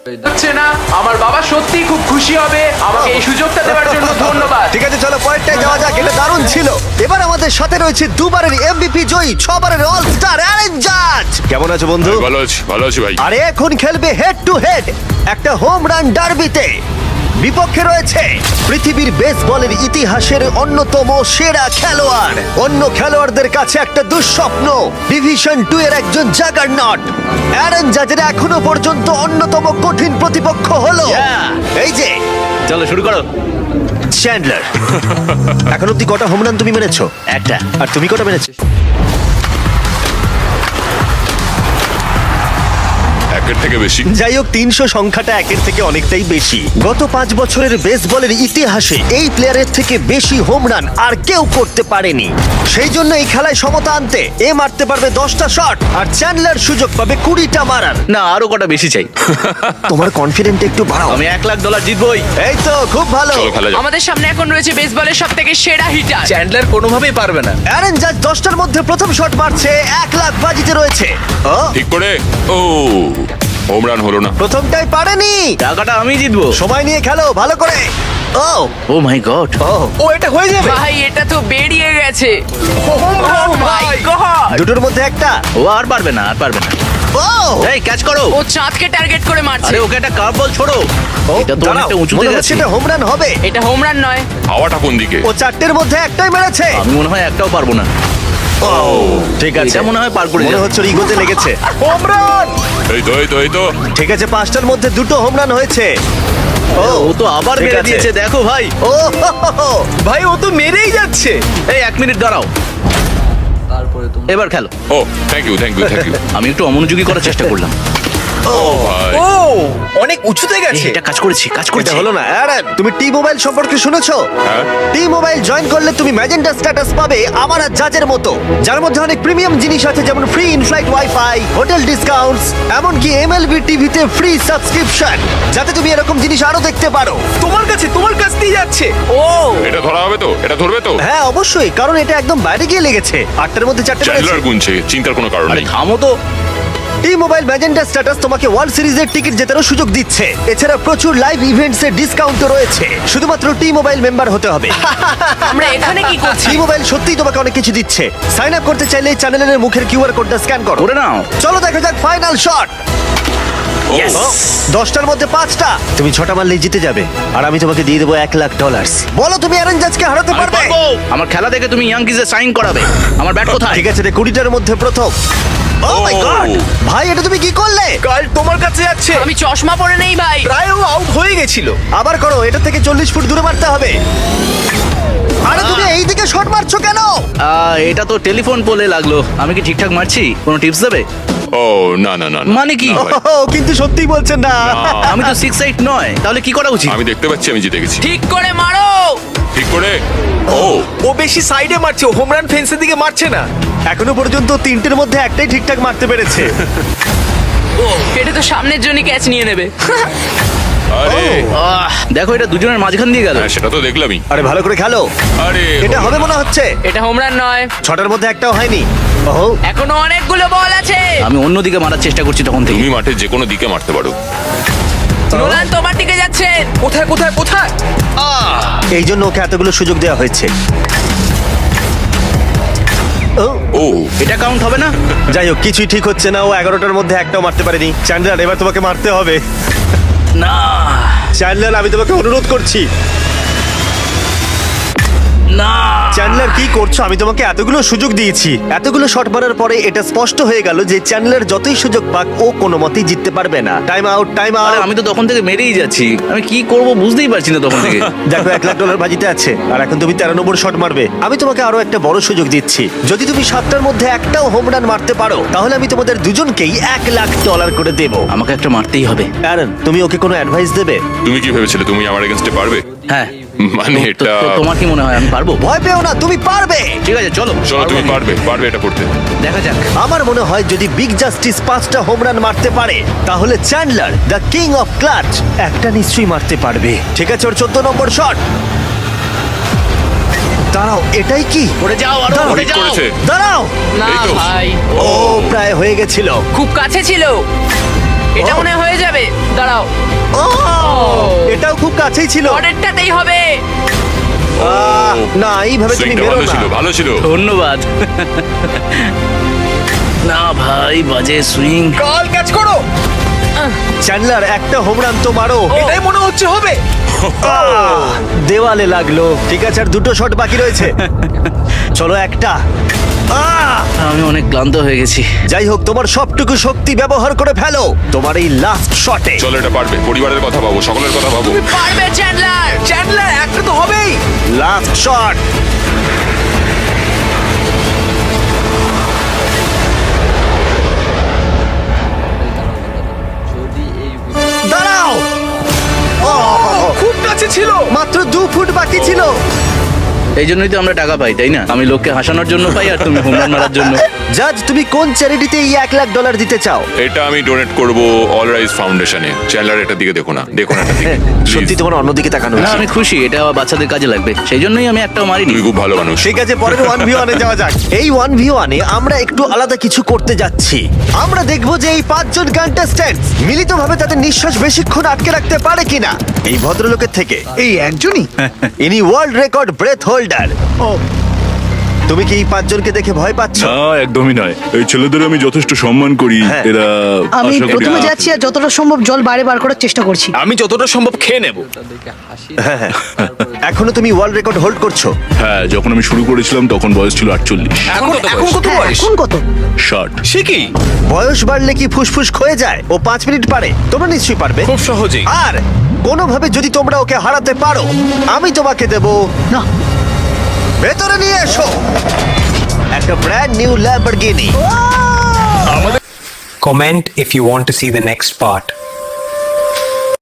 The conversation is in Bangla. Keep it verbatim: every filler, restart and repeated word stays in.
হচ্ছে না, আমার বাবা সত্যিই খুব খুশি হবে আমাকে এই সুযোগটা দেওয়ার জন্য। ধন্যবাদ। ঠিক আছে, চলো পরেরটায় যাওয়া যাক। এটা দারুণ ছিল। এবার আমাদের সাথে রয়েছে দুবারের এমভিপি জয়ী, ছবারের অল স্টার অ্যারেন জাজ। কেমন আছো বন্ধু? ভালো আছি, ভালো আছি ভাই। আরে এখন খেলবে হেড টু হেড একটা হোম রান ডার্বিতে। বিপক্ষে রয়েছে পৃথিবীর বেসবলের ইতিহাসের অন্যতম সেরা খেলোয়াড়। অন্য খেলোয়াড়দের কাছে একটা দুঃস্বপ্ন, ডিভিশন টু এর একজন জাগারনট। অ্যারন জাজের এখনো পর্যন্ত অন্যতম কঠিন প্রতিপক্ষ হলো এই যে, চলো শুরু করো। চ্যান্ডলার। এখন অব্দি কটা হোম রান তুমি মেরেছো? একটা। আর তুমি কটা মেরেছো? একের থেকে বেশি। যাই হোক, তিনশো সংখ্যাটা একের থেকে অনেকটাই বেশি। গত পাঁচ বছরের বেসবলের ইতিহাসে এই প্লেয়ারের থেকে বেশি হোম রান আর কেউ করতে পারেনি। সেই জন্য এই খেলায় সমতা আনতে এ মারতে পারবে দশটা শট আর চ্যান্ডলার সুযোগ পাবে কুড়িটা মারার। না, আরো কটা বেশি চাই। তোমার কনফিডেন্ট একটু বাড়াও। আমি এক লাখ ডলার জিতবই। এই তো খুব ভালো। চলো খেলা যাক। আমাদের সামনে এখন রয়েছে বেসবলের সব থেকে সেরা হিটার। চ্যান্ডলার কোনোভাবেই পারবে না। অ্যারন জাজ দশটার মধ্যে প্রথম শট মারছে, এক লাখ বাজিতে রয়েছে। ও, ঠিক করে। ও হোম রান হলো না। প্রথমটাই পারেনি। টাকাটা আমি জিতবো। সময় নিয়ে খেলো ভালো করে। ও ও মাই গড। ও ও এটা হয়ে যাবে। ভাই এটা তো বেরিয়ে গেছে। Oh my God! দুটোর মধ্যে একটা। ও আর পারবে না, আর পারবে না। ও এই ক্যাচ করো। ও চাঁদকে টার্গেট করে মারছে। আরে ওকে একটা কার্ভ বল ছোড়ো। ও, এটা তো দাঁড়াও, অনেকটা উঁচুতে মনে গেছে। হচ্ছে এটা হোম রান হবে। এটা হোম রান নয়। হাওয়াটা কোন দিকে? ও চারটের মধ্যে একটাই মেরেছে। আমি মনে হয় একটাও পারবো না। ঠিক আছে, এটা মনে হয় পার করে মনে যাবে। হচ্ছে ওর ইগোতে লেগেছে। Home run. এই তো এই তো এই তো। ঠিক আছে, পাঁচটার মধ্যে দুটো হোম রান হয়েছে। ও ও তো আবার ঠিক মেরে আছে। দিয়েছে, দেখো ভাই। ও হো, হো, হো। ভাই ও তো মেরেই যাচ্ছে। এই এক মিনিট দাঁড়াও, এবার খেলো। ও thank you thank you thank you. আমি একটু অমনোযোগী করার চেষ্টা করলাম। ও ভাই। ও অনেক উঁচুতে গেছে। এটা কাজ করেছি, কাজ এটা করেছি। হলো না। অ্যারন, তুমি টি মোবাইল সম্পর্কে শুনেছো? হ্যাঁ। টি মোবাইল জয়েন করলে তুমি ম্যাজেন্টা স্ট্যাটাস পাবে আমার আর জাজের মতো, যার মধ্যে অনেক প্রিমিয়াম জিনিস আছে, যেমন free inflight wifi, hotel discounts, এমনকি এমএলবি টিভিতে ফ্রি সাবস্ক্রিপশন, যাতে তুমি এরকম জিনিস আরো দেখতে পারো। তোমার কাছে, তোমার কাছ দিয়ে যাচ্ছে। ও এটা ধরা হবে তো? এটা ধরবে তো? হ্যাঁ অবশ্যই, কারণ এটা একদম বাইরে গিয়ে লেগেছে। আটটার মধ্যে চারটে মেরেছে। চ্যান্ডলার গুনছে, চিন্তার কোনো কারণ আরে নেই। থামো তো। টি মোবাইল ম্যাজেন্টা স্ট্যাটাস তোমাকে ওয়ার্ল্ড সিরিজের টিকিট জেতারও সুযোগ দিচ্ছে। এছাড়া প্রচুর লাইভ ইভেন্টস এর ডিসকাউন্টও রয়েছে। শুধুমাত্র টি মোবাইল মেম্বার হতে হবে। আমরা এখানে কি করছি? টি মোবাইল সত্যিই তোমাকে অনেক কিছু দিচ্ছে। সাইন আপ করতে চাইলে চ্যানেলের মুখের কিউআর কোডটা স্ক্যান করো। করে নাও। চলো দেখা যাক ফাইনাল শট। Yes! দশটার মধ্যে পাঁচটা। তুমি ছটা মারলেই জিতে যাবে, আর আমি তোমাকে দিয়ে দেবো এক লাখ ডলার। বলো তুমি অ্যারন জাজকে হারাতে আমি পারবে? পারবো। আমার খেলা দেখে তুমি ইয়াংকিজে সাইন করাবে। আমার ব্যাট কোথায়? ঠিক আছে রে, কুড়িটার মধ্যে প্রথম। ও মাই Oh! গড, ভাই এটা তুমি কি করলে? কাল তোমার কাছে যাচ্ছে। আমি চশমা পরে নেই ভাই। প্রায় ও আউট হয়ে গেছিল। আবার করো, এটা থেকে চল্লিশ ফুট দূরে মারতে হবে। আরে তুমি এই দিকে শট মারছো কেন? আহ, এটা তো টেলিফোন পোলে লাগলো। আমি কি ঠিকঠাক মারছি? কোনো টিপস দেবে? ও না না না না। মানে কি? না ভাই। ও, কিন্তু সত্যি বলছেন না। আমি তো সিক্স এইট নয়, তাহলে কি করা উচিত? আমি দেখতে পাচ্ছি, আমি জিতে গেছি। ঠিক করে মারো। ঠিক করে। ও ও বেশি সাইডে মারছে, ও হোম রান ফেন্সের দিকে মারছে না। এখনো পর্যন্ত তিনটের মধ্যে একটাই ঠিকঠাক মারতে পেরেছে। এটা তো সামনের জন্য ক্যাচ নিয়ে নেবে। আরে আহ, দেখো এটা দুজনের মাঝখান দিয়ে গেল। হ্যাঁ সেটা তো দেখলামই। আরে ভালো করে খেলো। আরে এটা হলো হবে না। মনে হচ্ছে। এটা হোম রান নয়। ছটার মধ্যে একটাও হয়নি। ওহো, এখনো অনেকগুলো বল আছে। আমি অন্যদিকে মারার চেষ্টা করছি তখন থেকে। তুমি মাঠে যে কোনো দিকে মারতে পারো। নোলান তোমার দিকে যাচ্ছে। কোথায় কোথায় কোথায়? এই জন্য ওকে এতগুলো সুযোগ দেওয়া হয়েছে। ও, ও এটা কাউন্ট হবে না। যাই হোক, কিছুই ঠিক হচ্ছে না। ও এগারোটার মধ্যে একটাও মারতে পারেনি। চ্যান্ডলার, এবার তোমাকে মারতে হবে। না চ্যান্ডলার, আমি তোমাকে অনুরোধ করছি। না। চ্যান্ডলার কি করছো? আমি তোমাকে এতগুলো সুযোগ দিয়েছি। এতগুলো শট মারার পরে এটা স্পষ্ট হয়ে গেল যে চ্যান্ডলার যতই সুযোগ পাক ও কোনো মতেই জিততে পারবে না। টাইম আউট, টাইম আরে আউট। আমি তো তখন থেকে মেরেই যাচ্ছি। আমি কি করব বুঝতেই পারছি না তখন থেকে। দেখো, এক লাখ ডলার বাজিতে আছে, আর এখন তুমি তেরো নম্বর শট মারবে। আমি তোমাকে আরো একটা বড় সুযোগ দিচ্ছি। যদি তুমি সাতটার মধ্যে একটাও হোম রান মারতে পারো, তাহলে আমি তোমাদের দুজনকেই এক লাখ ডলার করে দেবো। আমাকে একটা মারতেই হবে। অ্যারন, তুমি ওকে কোনো অ্যাডভাইস দেবে? তুমি কি ভেবেছিলে তুমি আমার এগেইনস্টে পারবে? হ্যাঁ। মানে তো- এটা তো- তোমার কি মনে হয় আমি পারবো? ভয় পেও না, তুমি পারবে। ঠিক আছে চলো। চলো তুমি পারবো আমি। পারবে, পারবে এটা করতে। দেখা যাক। আমার মনে হয় যদি বিগ জাস্টিস পাঁচটা হোম রান মারতে পারে, তাহলে Chandler the king of clutch একটা নিশ্চয়ই মারতে পারবে। ঠিক আছে, ওর চোদ্দ নম্বর শট। দাঁড়াও, এটাই কি? পড়ে যাও, আরো দাঁড়াও, পড়ে ঠিক যাও। করেছে। দাঁড়াও। না এই তো। ভাই, ও প্রায় হয়ে গেছিল। খুব কাছে ছিল। এটা মনে হয় হয়ে যাবে দাঁড়াও ও এটাও খুব কাছেই ছিল পরেরটাতেই হবে আহ, না এইভাবে তুমি সুইংটা বেরো ভালো না ছিল ভালো ছিল ধন্যবাদ না ভাই বাজে সুইং কাল ক্যাচ করো চ্যান্ডলার একটা হোম রান তো মারো এটাই মনে হচ্ছে হবে আহ, দেওয়ালে লাগলো ঠিক আছে আর দুটো শট বাকি রয়েছে চলো একটা আহ! আমি অনেক ক্লান্ত হয়ে গেছি যাই হোক তোমার সবটুকু শক্তি ব্যবহার করে ফেলো তোমার এই লাস্ট শটে চলো এটা পারবে পরিবারের কথা ভাবো সকলের কথা ভাবো পারবে চ্যান্ডলার চ্যান্ডলার একটা তো হবেই লাস্ট শট দাঁড়াও Oh! খুব কাছে ছিল মাত্র দু ফুট বাকি ছিল এই জন্যই তো আমরা টাকা পাই তাই না আমি লোককে হাসানোর জন্য পাই আর তুমি হোম রান মারার জন্য জাজ তুমি কোন চ্যারিটিতে এই এক লাখ ডলার দিতে চাও এটা আমি ডোনেট করব অল রাইজ ফাউন্ডেশনে চ্যান্ডলার এটার দিকে দেখো না দেখো না এটার দিকে Please, সত্যি তোমার অন্যদিকে তাকানো না উচিত। আমি খুশি এটা বাচ্চাদের কাজে লাগবে সেই জন্যই আমি একটাও মারিনি তুমি খুব ভালো মানুষ ঠিক আছে পরের ওয়ান ভি ওয়ানে যাওয়া যাক এই ওয়ান ভি ওয়ানে আমরা একটু আলাদা কিছু করতে যাচ্ছি আমরা দেখবো যে এই পাঁচজন কন্টেস্ট্যান্ট মিলিতভাবে তাদের নিঃশ্বাস বেশিক্ষণ আটকে রাখতে পারে কিনা এই ভদ্রলোকের থেকে এই একজনই ইনি ওয়ার্ল্ড রেকর্ড ব্রেথ হোল্ডার তুমি কি এই পাঁচজনকে দেখে ভয় পাচ্ছ না একদমই নয় এই ছেলেদের আমি যথেষ্ট সম্মান করি হ্যাঁ। এরা আমি আশা করি প্রথমে যাচ্ছি আর যতটা সম্ভব জল বাইরে বার করার চেষ্টা করছি আমি যতটা সম্ভব খেয়ে নেব এখনো তুমি ওয়ার্ল্ড রেকর্ড হোল্ড করছো হ্যাঁ যখন আমি শুরু করেছিলাম তখন বয়স ছিল আটচল্লিশ এখন এখন কত হ্যাঁ, বয়স এখন কত ষাট সে কি বয়স বাড়লে কি ফুসফুস ক্ষয়ে যায় ও পাঁচ মিনিট পারে তোমরা নিশ্চয়ই পারবে খুব সহজেই আর কোনোভাবে যদি তোমরা ওকে হারাতে পারো আমি তোমাকে দেব না ভেতরে নিয়ে এসো একটা brand new Lamborghini Comment if you want to see the next part.